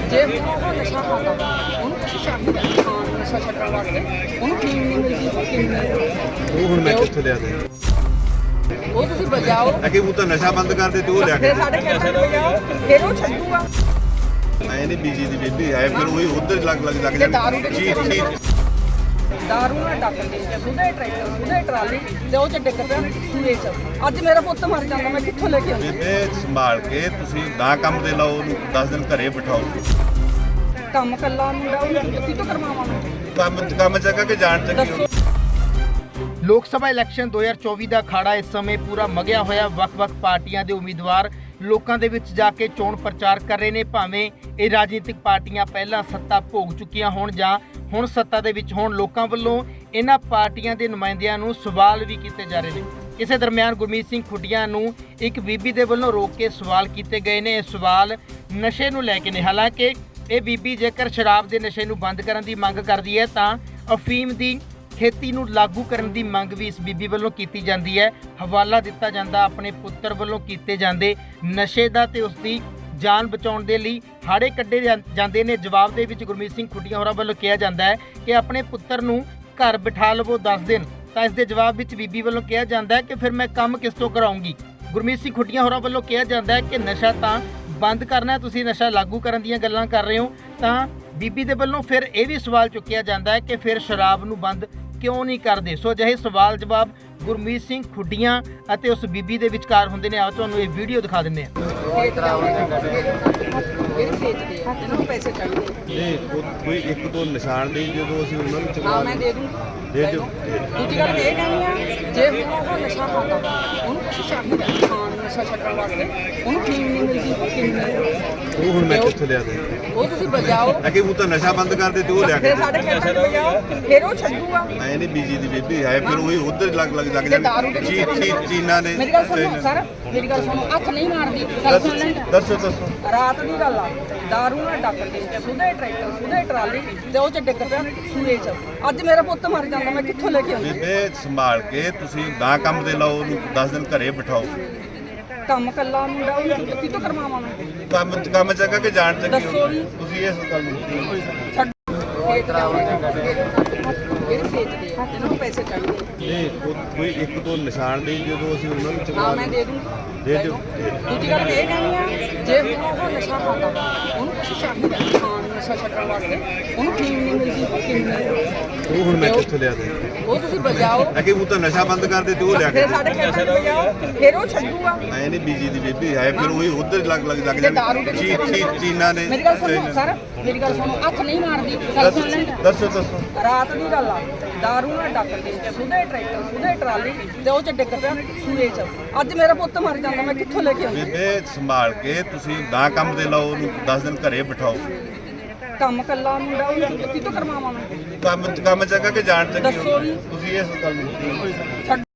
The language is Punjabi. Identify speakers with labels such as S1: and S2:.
S1: ਜੇ ਉਹ ਨਸ਼ਾ ਖਾਂਦਾ ਉਹਨੂੰ ਕੁਛ ਚਾਹੀਦਾ ਖਾਣ ਨੂੰ, ਨਸ਼ਾ ਛੱਡਣ ਵਾਸਤੇ ਉਹਨੂੰ ਟੀਮ ਨਹੀਂ ਮਿਲਦੀ, ਟੀਮ ਨਹੀਂ।
S2: ਉਹ ਹੁਣ ਮੈਂ ਕਿੱਥੋਂ ਲਿਆ ਦੇ
S1: ਉਹ ਤੁਸੀਂ ਬਜਾਓ
S2: ਅਕੇ ਉਹ ਤਾਂ ਨਸ਼ਾ ਬੰਦ ਕਰ ਦੇ ਤੇ ਉਹ ਲਿਆ ਕੇ
S1: ਫਿਰ ਸਾਡੇ ਖੇਤਾਂ 'ਚ ਬਜਾਓ, ਫਿਰ ਉਹ ਛੱਡੂਗਾ।
S2: ਐ ਨਹੀਂ ਬੀਜੀ ਦੀ ਬੇਬੀ ਆਏ ਫਿਰ ਉਹੀ ਉਧਰ ਲੱਗ
S1: ਤੇ ਦਾਰੂ ਦੇ ਦਾਰੂ ਨਾਲ ਡੱਕਦੇ ਸੁਧੇ ਟਰੈਕਟਰ, ਸੁਧੇ ਟਰਾਲੀ ਤੇ ਉਹ 'ਚ ਡਿੱਗ ਪਿਆ ਸੂਏ 'ਚ। ਅੱਜ ਮੇਰਾ ਪੁੱਤ ਮਰ ਜਾਂਦਾ, ਮੈਂ ਕਿੱਥੋਂ ਲੈ ਕੇ ਆਉਂਦੀ?
S2: ਬੇਬੇ ਸੰਭਾਲ ਕੇ ਤੁਸੀਂ ਨਾ ਕੰਮ ਦੇ ਲਾਓ ਉਹਨੂੰ 10 ਦਿਨ ਘਰੇ ਬਿਠਾਓ।
S1: ਕੰਮ ਕੱਲਾ ਮੁੰਡਾ ਉਹ ਕਿੱਥੋਂ ਕਰਵਾਵਾਂ?
S2: ਕੰਮ ਚੱਕਾ ਕੇ ਜਾਣ ਚੱਕੀ
S1: ਦੱਸੋ।
S3: ਲੋਕ ਸਭਾ ਇਲੈਕਸ਼ਨ 2024 ਦਾ ਅਖਾੜਾ ਇਸ ਸਮੇਂ ਪੂਰਾ ਮਗਿਆ ਹੋਇਆ। ਵੱਖ-ਵੱਖ ਪਾਰਟੀਆਂ ਦੇ ਉਮੀਦਵਾਰ ਲੋਕਾਂ ਦੇ ਵਿੱਚ ਜਾ ਕੇ ਚੋਣ ਪ੍ਰਚਾਰ ਕਰ ਰਹੇ ਨੇ। ਭਾਵੇਂ ਇਹ ਰਾਜਨੀਤਿਕ ਪਾਰਟੀਆਂ ਪਹਿਲਾਂ ਸੱਤਾ ਭੋਗ ਚੁੱਕੀਆਂ ਹੋਣ ਜਾਂ ਹੁਣ ਸੱਤਾ ਦੇ ਵਿੱਚ ਹੋਣ, ਲੋਕਾਂ ਵੱਲੋਂ ਇਹਨਾਂ ਪਾਰਟੀਆਂ ਦੇ ਨੁਮਾਇੰਦਿਆਂ ਨੂੰ ਸਵਾਲ ਵੀ ਕੀਤੇ ਜਾ ਰਹੇ ਨੇ। ਇਸੇ ਦਰਮਿਆਨ ਗੁਰਮੀਤ ਸਿੰਘ ਖੁੱਡੀਆਂ ਨੂੰ ਇੱਕ ਬੀਬੀ ਦੇ ਵੱਲੋਂ ਰੋਕ ਕੇ ਸਵਾਲ ਕੀਤੇ ਗਏ ਨੇ। ਇਹ ਸਵਾਲ ਨਸ਼ੇ ਨੂੰ ਲੈ ਕੇ ਨੇ। ਹਾਲਾਂਕਿ ਇਹ ਬੀਬੀ ਜੇਕਰ ਸ਼ਰਾਬ ਦੇ ਨਸ਼ੇ ਨੂੰ ਬੰਦ ਕਰਨ ਦੀ ਮੰਗ ਕਰਦੀ ਹੈ ਤਾਂ ਅਫੀਮ ਦੀ ਖੇਤੀ ਨੂੰ ਲਾਗੂ ਕਰਨ ਦੀ ਮੰਗ ਵੀ ਇਸ ਬੀਬੀ ਵੱਲੋਂ ਕੀਤੀ ਜਾਂਦੀ ਹੈ। ਹਵਾਲਾ ਦਿੱਤਾ ਜਾਂਦਾ ਆਪਣੇ ਪੁੱਤਰ ਵੱਲੋਂ ਕੀਤੇ ਜਾਂਦੇ ਨਸ਼ੇ ਦਾ ਤੇ ਉਸ ਦੀ ਜਾਨ ਬਚਾਉਣ ਦੇ ਲਈ ਹਾੜੇ ਕੱਢੇ ਜਾਂਦੇ ਨੇ। ਜਵਾਬ ਦੇ ਵਿੱਚ ਗੁਰਮੀਤ ਸਿੰਘ ਖੁੱਡੀਆਂ ਹੋਰਾਂ ਵੱਲੋਂ ਕਿਹਾ ਜਾਂਦਾ ਹੈ ਕਿ ਆਪਣੇ ਪੁੱਤਰ ਨੂੰ ਘਰ ਬਿਠਾ ਲਵੋ 10 ਦਿਨ। ਤਾਂ ਇਸ ਦੇ ਜਵਾਬ ਵਿੱਚ ਬੀਬੀ ਵੱਲੋਂ ਕਿਹਾ ਜਾਂਦਾ ਹੈ ਕਿ ਫਿਰ ਮੈਂ ਕੰਮ ਕਿਸ ਤੋਂ ਕਰਾਉਂਗੀ। ਗੁਰਮੀਤ ਸਿੰਘ ਖੁੱਡੀਆਂ ਹੋਰਾਂ ਵੱਲੋਂ ਕਿਹਾ ਜਾਂਦਾ ਹੈ ਕਿ ਨਸ਼ਾ ਤਾਂ ਬੰਦ ਕਰਨਾ, ਤੁਸੀਂ ਨਸ਼ਾ ਲਾਗੂ ਕਰਨ ਦੀਆਂ ਗੱਲਾਂ ਕਰ ਰਹੇ ਹੋ। ਤਾਂ ਬੀਬੀ ਦੇ ਵੱਲੋਂ ਫਿਰ ਇਹ ਵੀ ਸਵਾਲ ਚੁੱਕਿਆ ਜਾਂਦਾ ਹੈ ਕਿ ਫਿਰ ਸ਼ਰਾਬ ਨੂੰ ਬੰਦ ਕਿਉਂ ਨਹੀਂ ਕਰਦੇ। ਸੋ ਅਜਿਹੇ ਸਵਾਲ ਜਵਾਬ ਗੁਰਮੀਤ ਸਿੰਘ ਖੁੱਡੀਆਂ ਅਤੇ ਉਸ ਬੀਬੀ ਦੇ ਵਿਚਕਾਰ ਹੁੰਦੇ ਨੇ। ਆਓ ਤੁਹਾਨੂੰ ਇਹ ਵੀਡੀਓ ਦਿਖਾ ਦਿੰਦੇ ਹਾਂ।
S1: ਪੈਸੇ ਚਾਹੀਦੇ
S2: ਨਹੀਂ ਕੋਈ ਇੱਕ ਦੋ ਨਿਸ਼ਾਨ ਨਹੀਂ ਜਦੋਂ ਅਸੀਂ ਉਹਨਾਂ ਨੂੰ ਚੁਕਾ
S1: ਮੈਂ ਦੇ ਦੂੰ।
S2: ਦੇ ਦਿਓ।
S1: ਦੂਜੀ ਗੱਲ ਇਹ ਕਹਿਣੀ ਆ, ਜੇ ਉਹ ਨਸ਼ਾ ਖਾਂਦਾ ਉਹਨੂੰ ਕੁਛ ਚਾਹੀਦਾ ਖਾਣ ਨੂੰ, ਨਸ਼ਾ ਛੱਡਣ ਵਾਸਤੇ ਉਹਨੂੰ ਟੀਮ ਨਹੀਂ ਮਿਲਦੀ, ਟੀਮ ਨਹੀਂ।
S2: ਉਹ ਹੁਣ ਮੈਂ ਕਿੱਥੋਂ ਲਿਆ ਦੇ
S1: ਉਹ ਤੁਸੀਂ ਬਜਾਓ
S2: ਅਕੇ ਉਹ ਤਾਂ ਨਸ਼ਾ ਬੰਦ ਕਰ ਦੇ ਤੇ ਉਹ ਲਿਆ ਕੇ
S1: ਫਿਰ ਸਾਡੇ ਖੇਤਾਂ 'ਚ ਬਜਾਓ, ਫਿਰ ਉਹ ਛੱਡੂਗਾ।
S2: ਐ ਨਹੀਂ ਬੀਜੀ ਦੀ ਬੇਬੀ ਆਏ ਫਿਰ ਉਹੀ ਉਧਰ ਲੱਗ
S1: ਤੇ ਦਾਰੂ ਦੇ
S2: ਚੀਨਾ ਨੇ।
S1: ਮੇਰੀ ਗੱਲ ਸੁਣੋ ਸਰ, ਮੇਰੀ ਗੱਲ ਸੁਣੋ। ਹੱਥ ਨਹੀਂ ਮਾਰਦੀ, ਗੱਲ ਸੁਣ ਲੈ।
S2: ਦੱਸੋ
S1: ਰਾਤ ਦੀ ਗੱਲ ਆ, ਦਾਰੂ ਨਾਲ ਡੱਕਦੇ ਸੁਧੇ ਟਰੈਕਟਰ, ਸੁਧੇ ਟਰਾਲੀ ਤੇ ਉਹ 'ਚ ਡਿੱਗ ਪਿਆ ਸੂਏ 'ਚ। ਅੱਜ ਮੇਰਾ ਪੁੱਤ ਮਰ ਜਾਂਦਾ, ਮੈਂ ਕਿੱਥੋਂ ਲੈ ਕੇ ਆਉਂਦੀ?
S2: ਬੇਬੇ ਸੰਭਾਲ ਕੇ ਤੁਸੀਂ ਨਾ ਕੰਮ ਦੇ ਲਾਓ ਉਹਨੂੰ 10 ਦਿਨ ਘਰੇ ਬਿਠਾਓ।
S1: ਕੰਮ ਕੱਲਾ ਮੁੰਡਾ ਉਹ ਕਿੱਥੋਂ ਕਰਵਾਵਾਂ ਮੈਂ?
S2: ਕੰਮ ਚੱਕਾ ਕੇ ਜਾਣ ਚੱਕੀ
S1: ਦੱਸੋ ਵੀ।
S2: ਤੁਸੀਂ ਇਸ ਗੱਲ ਨੂੰ
S1: ਛੱਡ ਖੇਤ ਜਾਓ, ਇਹ ਵੇਚਦੇ ਆ, ਇਹਨਾਂ ਨੂੰ ਪੈਸੇ ਚਾਹੀਦੇ।
S2: ਨਹੀਂ ਕੋਈ ਇੱਕ ਦੋ ਨਿਸ਼ਾਨ ਨਹੀਂ ਜਦੋਂ ਅਸੀਂ ਉਹਨਾਂ ਨੂੰ ਚੁਕਾ
S1: ਮੈਂ ਦੇ ਦੂੰ।
S2: ਦੇ ਦਿਓ।
S1: ਦੂਜੀ ਗੱਲ ਇਹ ਕਹਿਣੀ ਆ, ਜੇ ਉਹ ਨਸ਼ਾ ਖਾਂਦਾ ਉਹਨੂੰ ਕੁਛ ਚਾਹੀਦਾ ਖਾਣ ਨੂੰ, ਨਸ਼ਾ ਛੱਡਣ ਵਾਸਤੇ ਉਹਨੂੰ ਟੀਮ ਨਹੀਂ ਮਿਲਦੀ, ਟੀਮ ਨਹੀਂ।
S2: ਉਹ ਹੁਣ ਮੈਂ ਕਿੱਥੋਂ ਲਿਆ ਦੇ
S1: ਉਹ ਤੁਸੀਂ ਬਜਾਓ
S2: ਅਕੇ ਉਹ ਤਾਂ ਨਸ਼ਾ ਬੰਦ ਕਰ ਦੇ ਤੇ ਉਹ ਲਿਆ ਕੇ
S1: ਫਿਰ ਸਾਡੇ ਖੇਤਾਂ 'ਚ ਬਜਾਓ, ਫਿਰ ਉਹ ਛੱਡੂਗਾ।
S2: ਐ ਨਹੀਂ ਬੀਜੀ ਦੀ ਬੇਬੀ ਆਏ ਫਿਰ ਉਹੀ ਉਧਰ ਲੱਗ
S1: ਤੇ ਦਾਰੂ ਦੇ
S2: ਚੀਨਾ ਨੇ।
S1: ਮੇਰੀ ਗੱਲ ਸੁਣੋ ਸਰ, ਮੇਰੀ ਗੱਲ ਸੁਣੋ। ਹੱਥ ਨਹੀਂ ਮਾਰਦੀ, ਗੱਲ ਸੁਣ ਲੈ।
S2: ਦੱਸੋ
S1: ਰਾਤ ਦੀ ਗੱਲ ਆ, ਦਾਰੂ ਨਾਲ ਡੱਕਦੇ ਸੁਧੇ ਟਰੈਕਟਰ, ਸੁਧੇ ਟਰਾਲੀ ਤੇ ਉਹ 'ਚ ਡਿੱਗ ਪਿਆ ਸੂਏ 'ਚ। ਅੱਜ ਮੇਰਾ ਪੁੱਤ ਮਰ ਜਾਂਦਾ, ਮੈਂ ਕਿੱਥੋਂ ਲੈ ਕੇ ਆਉਂਦੀ?
S2: ਬੇਬੇ ਸੰਭਾਲ ਕੇ ਤੁਸੀਂ ਨਾ ਕੰਮ ਦੇ ਲਾਓ ਉਹਨੂੰ 10 ਦਿਨ ਘਰੇ ਬਿਠਾਓ।
S1: ਕੰਮ ਕੱਲਾ ਮੁੰਡਾ ਉਹ ਕਿੱਥੋਂ ਕਰਵਾਵਾਂ ਮੈਂ?
S2: ਕੰਮ ਚੱਕਾ ਕੇ ਜਾਣ ਚੱਕੀ
S1: ਦੱਸੋ ਵੀ।
S2: ਤੁਸੀਂ ਇਸ ਗੱਲ ਨੂੰ
S1: ਛੱਡ